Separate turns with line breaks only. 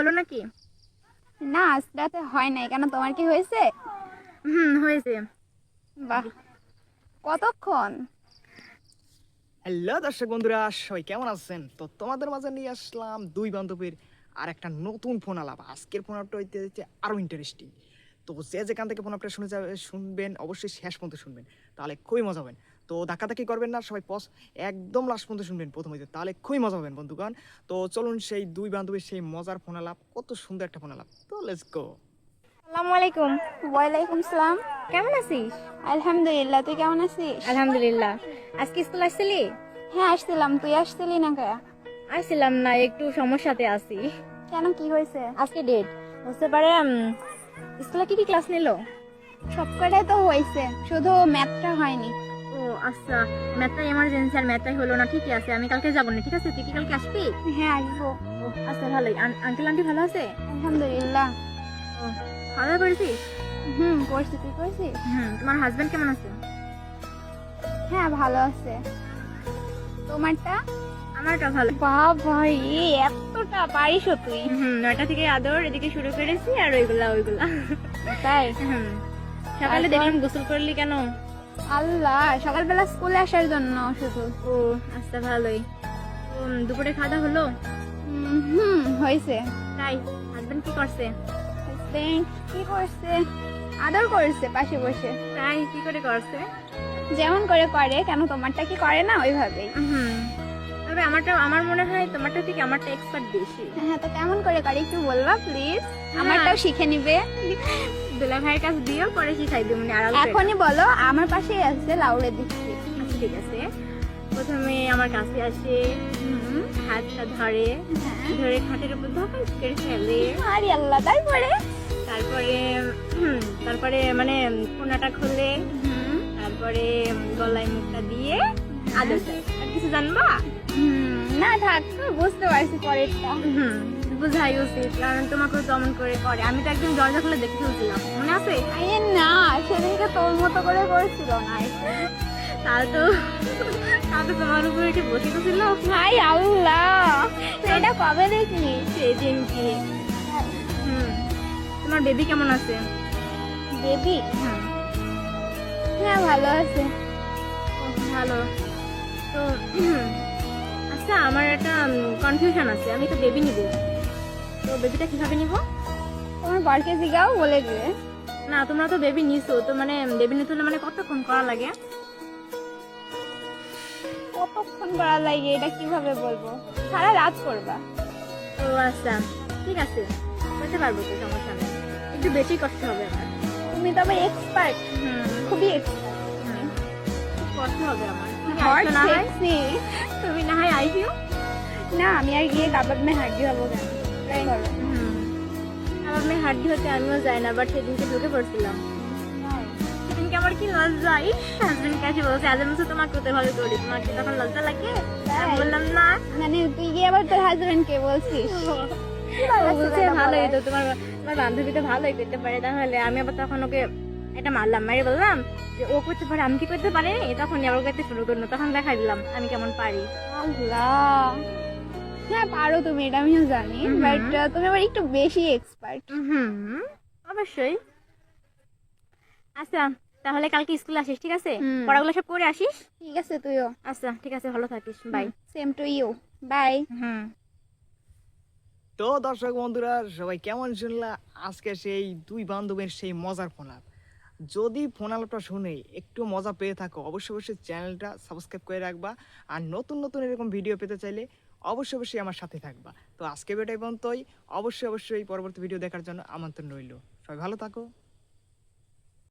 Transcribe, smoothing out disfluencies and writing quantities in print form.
হলো নাকি?
না, আজ রাতে হয় নাই। কেন, তোমার কি হয়েছে?
হয়েছে।
বাহ, কতক্ষণ?
হ্যালো দর্শক বন্ধুরা, সবাই কেমন আছেন? তো তোমাদের মাঝে নিয়ে আসলাম দুই বান্ধবীর আর একটা নতুন ফোন আলাপ। আজকের ফোন আপটা হইতে হচ্ছে আরও ইন্টারেস্টিং। তো যে যেখান থেকে ফোন আপটা শুনবেন অবশ্যই শেষ পর্যন্ত শুনবেন, তাহলে খুবই মজা হবেন। তো ধাক্কাধাক্কি করবেন না, সবাই একদম লাস্ট পর্যন্ত শুনবেন প্রথম হইতে, তাহলে খুবই মজা হবেন বন্ধুগণ। তো চলুন সেই দুই বান্ধবীর সেই মজার ফোন আলাপ, কত সুন্দর একটা ফোন আলাপ। তো লেটস গো।
আসসালামু আলাইকুম।
ওয়ালাইকুম সালাম।
কেমন আছিস?
আলহামদুলিল্লাহ, তুই কেমন আছিস?
আলহামদুলিল্লাহ। আজকে স্কুল আসছিলি?
হ্যাঁ, আসছিলাম। তুই আসছিলি না কে?
আসছিলাম না, একটু সমস্যাতে আছি।
কেন, কি হয়েছে?
আজকে ডেট বুঝতে পারে। স্কুলে কি কি ক্লাস নিলো?
সব কটাই তো হয়েছে, শুধু ম্যাথটা হয়নি।
ও আচ্ছা, ম্যাথটা এমার্জেন্সি, আর ম্যাথটাই হলো না। ঠিকই আছে, আমি কালকে যাবো না। ঠিক আছে, তুই কি কালকে আসবি?
হ্যাঁ, আসবো।
ও আচ্ছা, ভালোই। আঙ্কেল আন্টি ভালো আছে?
আলহামদুলিল্লাহ।
ও, খাওয়া দাওয়া করেছিস?
করছি। তুই করছিস?
তোমার হাজবেন্ড কেমন আছে?
হ্যাঁ, ভালো আছে। তোমারটা?
আমারটা ভালো।
বাবা, এতটা পারিসও তুই?
9টা থেকে আদর এদিকে শুরু করেছি, আর ওইগুলা
তাই?
সকালে দেখলাম গোসল করলি কেন?
আল্লাহ, সকালবেলা স্কুলে আসার জন্য শুধু।
ও আচ্ছা, ভালোই। দুপুরে খাওয়া দাওয়া হলো?
হয়েছে।
তাই? হাজবেন্ড কি করছে?
হাজবেন্ড কি করছে? আদর করছে পাশে বসে।
তাই? কি করে করছে?
যেমন করে করে। কেন, তোমারটা কি করে না ওইভাবেই?
তবে আমার মনে হয় তোমারটা থেকে আমারটা এক্সপার্ট বেশি।
হ্যাঁ, তো কেমন করে করে একটু বলবা প্লিজ? আমারটাও শিখে নিবে।
দুলা ভাইয়ের কাছে দিও, পরে শিখাই দিও। মানে আড়াল করে।
এখনই বলো, আমার পাশেই আছে, লাউড়ে দিচ্ছি।
আচ্ছা ঠিক আছে। প্রথমে আমার কাছে আসে, হাতটা ধরে, ধরে খাটের উপর ধপাস করে ফেলে।
আরে আল্লাহ, তারপরে?
তারপরে মানে কোনাটা খুলে, তারপরে গলায় মুখটা দিয়ে আদর দেয়। আর কিছু জানবা?
না থাক, বুঝতে পারছি পরেরটা।
বুঝাই উচিত, কারণ তোমাকে তেমন করে করে। আমি তো একদিন দরজা খুলে দেখে ফেলছিলাম, মনে আছে?
আরে না, সেদিনকে তোর মতো করে করছিল না।
তাহলে তো তোমার উপরে এসে বসে ছিল।
হাই আল্লাহ, এটা কবে দেখলি?
সেদিন কি। তোমার বেবি কেমন আছে?
বেবি? হ্যাঁ, ভালো আছে।
ভালো তো। আচ্ছা, আমার একটা কনফিউশন আছে। আমি তো বেবি নিব, তো বেবিটা কিভাবে নিব?
তোমার বরকে জিগাও, বলে দিবে।
না, তোমরা তো বেবি নিছো, তো মানে বেবি নিতে হলে মানে কতক্ষণ করা লাগে?
কতক্ষণ করা লাগে এটা কিভাবে বলবো? সারা রাত করবা।
ও আচ্ছা, ঠিক আছে, করতে পারবো তো, সমস্যা নেই। একটু বেশি কষ্ট হবে আমার।
তুমি তো আবার এক্সপার্ট, খুবই এক্সপার্ট।
কষ্ট হবে আমার।
হট
না হয়
সেক্সি।
তুমি না হয় আইসিও।
না, আমি আর গিয়ে কাবাব মে হাড্ডি হবো কেন? ট্রাই করো।
আমার মেয়ে হাড্ডি হতে আমিও যাই না, বাট সেদিনকে ঢুকে পড়ছিলাম। সেদিনকে আমার কি লজ্জা! হাজবেন্ড কাছে বলছে, আজ আমি তোমাকে হতে ভালো করি, তোমাকে তখন লজ্জা লাগে? আমি বললাম না।
মানে তুই গিয়ে আবার তোর হাজবেন্ড কে বলছিস?
বলছে ভালোই তো, তোমার তোমার বান্ধবী তো ভালোই করতে পারে। তাহলে আমি আবার তখন ওকে এটা মারলাম, মারি বললাম যে ও করতে পারে, আমি কি করতে পারি? তখন আবার করতে শুরু করলো, তখন দেখাই দিলাম আমি কেমন পারি।
আল্লাহ, হ্যাঁ পারো তুমি, এটা আমিও জানি, বাট তুমি আবার একটু বেশি এক্সপার্ট।
অবশ্যই। আচ্ছা, তাহলে কালকে স্কুলে আসিস, ঠিক আছে?
হুম।
পড়াগুলো সব করে আসিস।
ঠিক আছে, তুইও।
আচ্ছা ঠিক আছে, ভালো থাকিস, bye.
Same to you, bye.
তো দর্শক বন্ধুরা, সবাই কেমন শুনলা আজকে সেই দুই বান্ধবীর সেই মজার ফোন আলাপ? যদি ফোন আলাপটা শুনে একটু মজা পেয়ে থাকো, অবশ্যই অবশ্যই চ্যানেলটা সাবস্ক্রাইব করে রাখবা। আর নতুন নতুন এরকম ভিডিও পেতে চাইলে অবশ্যই অবশ্যই আমার সাথে থাকবা। তো আজকে ভিডিও পর্যন্তই। অবশ্যই অবশ্যই পরবর্তী ভিডিও দেখার জন্য আমন্ত্রণ রইল। সবাই ভালো থাকো।